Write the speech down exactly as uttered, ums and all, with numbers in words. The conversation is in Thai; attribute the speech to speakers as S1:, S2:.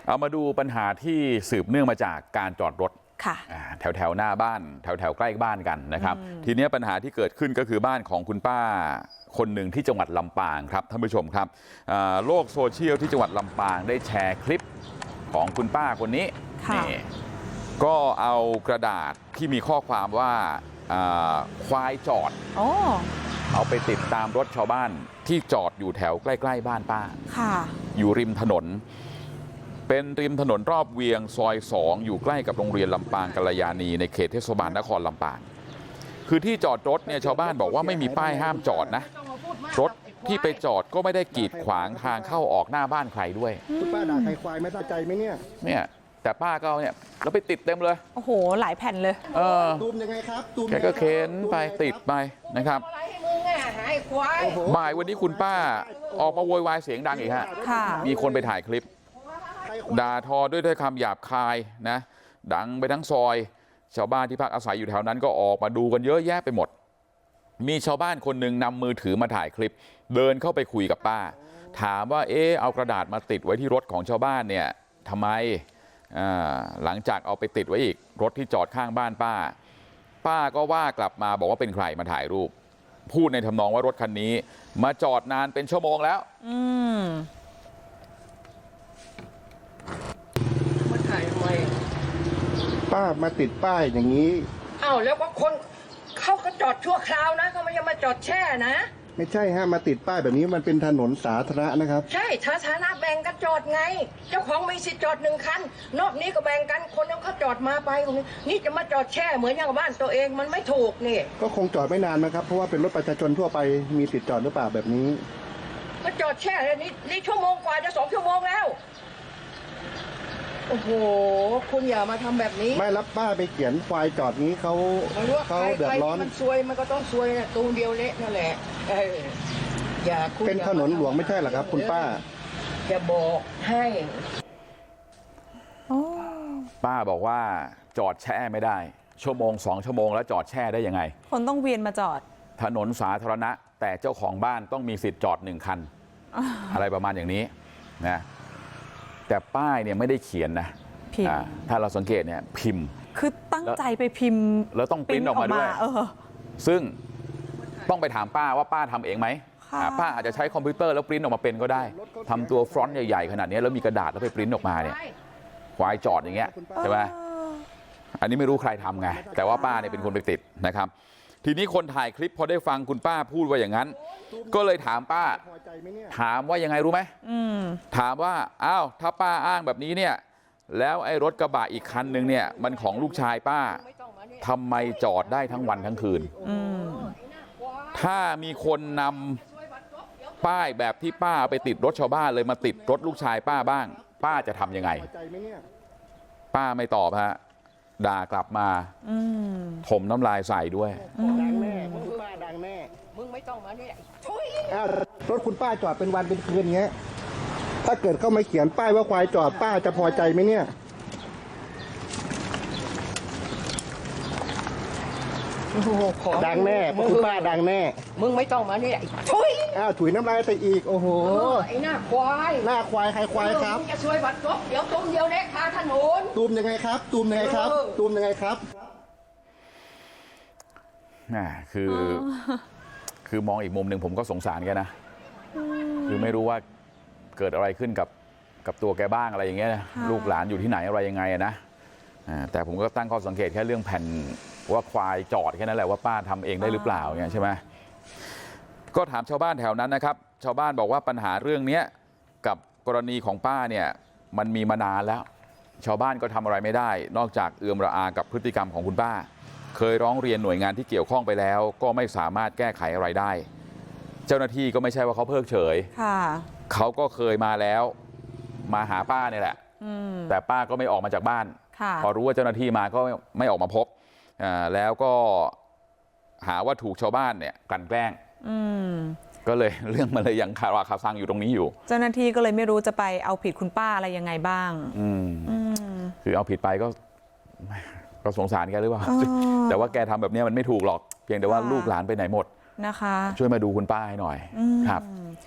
S1: เอามาดูปัญหาที่สืบเนื่องมาจากการจอดรถแถวแถวหน้าบ้านแถวแถวใกล้บ้านกันนะครับทีนี้ปัญหาที่เกิดขึ้นก็คือบ้านของคุณป้าคนหนึ่งที่จังหวัดลำปางครับท่านผู้ชมครับโลกโซเชียลที่จังหวัดลำปางได้แชร์คลิปของคุณป้าคนนี้นี่ก็เอากระดาษที่มีข้อความว่าควายจอดเอาไปติดตามรถชาวบ้านที่จอดอยู่แถวใกล้ๆบ้านป้าอยู่ริมถนนเป็นริมถนนรอบเวียงซอยสองอยู่ใกล้กับโรงเรียนลำปางกัลยาณีในเขตเทศบาลนครลำปางคือที่จอดรถเนี่ยชาวบ้านบอกว่าไม่มีป้ายห้ามจอดนะรถที่ไปจอดก็ไม่ได้กีดขวางทางเข้าออกหน้าบ้านใครด้วย
S2: คุณป้าด่าใครควายไม่ตั้งใจไหมเนี่ย
S1: เนี่ยแต่ป้าก็เนี่ยเราไปติดเต็มเลย
S3: โอ้โหหลายแผ่นเลย
S1: เออ
S2: ตูมยังไงครับตูม
S1: แกก็เค้นไปติดไปนะครับบ่ายวันนี้คุณป้าออกมาโวยวายเสียงดังอีกฮะมีคนไปถ่ายคลิปด่าทอด้วยถ้อยคำหยาบคายนะดังไปทั้งซอยชาวบ้านที่พักอาศัยอยู่แถวนั้นก็ออกมาดูกันเยอะแยะไปหมดมีชาวบ้านคนหนึ่งนำมือถือมาถ่ายคลิปเดินเข้าไปคุยกับป้าถามว่าเอ๊ะเอากระดาษมาติดไว้ที่รถของชาวบ้านเนี่ยทำไมหลังจากเอาไปติดไว้อีกรถที่จอดข้างบ้านป้าป้าก็ว่ากลับมาบอกว่าเป็นใครมาถ่ายรูปพูดในทำนองว่ารถคันนี้มาจอดนานเป็นชั่วโมงแล้วอืม
S2: มาถ่ายทำไมป้ามาติดป้ายอย่างนี้
S4: อ้าวแล้วก็คนเขาก็จอดชั่วคราวนะเขาไม่ยังมาจอดแช่นะ
S2: ไม่ใช่ฮะมาติดป้ายแบบนี้มันเป็นถนนสาธารณะนะครับ
S4: ใช่สาธารณะแบ่งกันจอดไงเจ้าของมีสิทธิ์จอดหนึ่งคันนอกนี้ก็แบ่งกันคนนั้นเขาจอดมาไปตรงนี้นี่จะมาจอดแช่เหมือนอย่างบ้านตัวเองมันไม่ถูกนี่
S2: ก็คงจอดไม่นานนะครับเพราะว่าเป็นรถประชาชนทั่วไปมีสิทธิ์จอดหรือเปล่าแบบนี้
S4: มาจอดแช่เลยนี่นี่ชั่วโมงกว่าจะสองชั่วโมงแล้วโอ้โหคุณอย่ามาทำแบบนี้
S2: ไม่รับป้าไปเขียนควายจอดนี้เขาเขาเดือดร้อน
S4: มันซวยมันก็ต้องซวยนะตูนเดียวเละนั่นแหละอย่า
S2: เป็นถนนหลวงไม่ใช่หรอครับคุณป้า
S4: จะบอกให้
S1: ป้าบอกว่าจอดแช่ไม่ได้ชั่วโมงสองชั่วโมงแล้วจอดแช่ได้ยังไง
S3: คนต้องเวียนมาจอด
S1: ถนนสาธารณะแต่เจ้าของบ้านต้องมีสิทธิ์จอดหนึ่งคัน อะไรประมาณอย่างนี้นะแต่ป้ายเนี่ยไม่ได้เขียนนะถ้าเราสังเกตเนี่ยพิมพ์
S3: คือตั้งใจไปพิมพ์
S1: แล้วต้องปริ้นออกมาด้วยซึ่งต้องไปถามป้าว่าป้าทำเองไหมป้าอาจจะใช้คอมพิวเตอร์แล้วปริ้นออกมาเป็นก็ได้ทำตัวฟรอนต์ใหญ่ๆขนาดนี้แล้วมีกระดาษแล้วไปปริ้นออกมาเนี่ยควายจอดอย่างเงี้ยใช่ไหมอันนี้ไม่รู้ใครทำไงแต่ว่าป้าเนี่ยเป็นคนไปติดนะครับทีนี้คนถ่ายคลิปพอได้ฟังคุณป้าพูดว่าอย่างนั้นก็เลยถามป้าถามว่ายังไงรู้ไหมถามว่าอ้าวถ้าป้าอ้างแบบนี้เนี่ยแล้วไอ้รถกระบะอีกคันนึงเนี่ยมันของลูกชายป้าทำไมจอดได้ทั้งวันทั้งคืนถ้ามีคนนำป้ายแบบที่ป้าไปติดรถชาวบ้านเลยมาติดรถลูกชายป้าบ้างป้าจะทำยังไงป้าไม่ตอบฮะด่ากลับมาถมน้ำลายใส่ด้วย
S2: ดังแน่คุณป้าดังแน่
S4: มึงไม่ต้องมาเนี่ย
S2: รถคุณป้าจอดเป็นวันเป็นคืนเงี้ยถ้าเกิดเขาไม่เขียนป้ายว่าควายจอดป้าจะพอใจไหมเนี่ยดังแน่คุณป้าดังแน่
S4: มึงไม่ต้องมาเนี่ย
S2: ถุยอ้าวถุยน้ำลายไปอีกโอ้โห
S4: ไอ้หน้าควาย
S2: หน้าควายใครควายครับ
S4: จะช่วยบัดจบเดี๋ยวตุ้มเดียวเล็กคาถนน
S2: ตูมยังไงครับตูมยังไงครับตูมยังไงครับ
S1: น่าคือคือมองอีกมุมหนึ่งผมก็สงสารแกนะคือไม่รู้ว่าเกิดอะไรขึ้นกับกับตัวแกบ้างอะไรอย่างเงี้ยนะลูกหลานอยู่ที่ไหนอะไรยังไงนะแต่ผมก็ตั้งข้อสังเกตแค่เรื่องแผ่นว่าควายจอดแค่นั้นแหละว่าป้าทำเองได้หรือเปล่าเนี่ยใช่ไหมก็ถามชาวบ้านแถวนั้นนะครับชาวบ้านบอกว่าปัญหาเรื่องนี้กับกรณีของป้าเนี่ยมันมีมานานแล้วชาวบ้านก็ทำอะไรไม่ได้นอกจากเอื้อมระอากับพฤติกรรมของคุณป้าเคยร้องเรียนหน่วยงานที่เกี่ยวข้องไปแล้วก็ไม่สามารถแก้ไขอะไรได้เจ้าหน้าที่ก็ไม่ใช่ว่าเขาเพิกเฉยเขาก็เคยมาแล้วมาหาป้าเนี่ยแหละแต่ป้าก็ไม่ออกมาจากบ้านพอรู้ว่าเจ้าหน้าที่มาก็ไม่ออกมาพบแล้วก็หาว่าถูกชาวบ้านเนี่ยกลั่นแกล้งก็เลยเรื่องมันเลยยังคาราคาซังอยู่ตรงนี้อยู่
S3: เจ้าหน้าที่ก็เลยไม่รู้จะไปเอาผิดคุณป้าอะไรยังไงบ้าง
S1: คือเอาผิดไปก็ก็สงสารแกหรือเปล่าแต่ว่าแกทำแบบนี้มันไม่ถูกหรอกเพียงแต่ว่าลูกหลานไปไหนหมด
S3: นะคะ
S1: ช่วยมาดูคุณป้าให้หน่อยครับ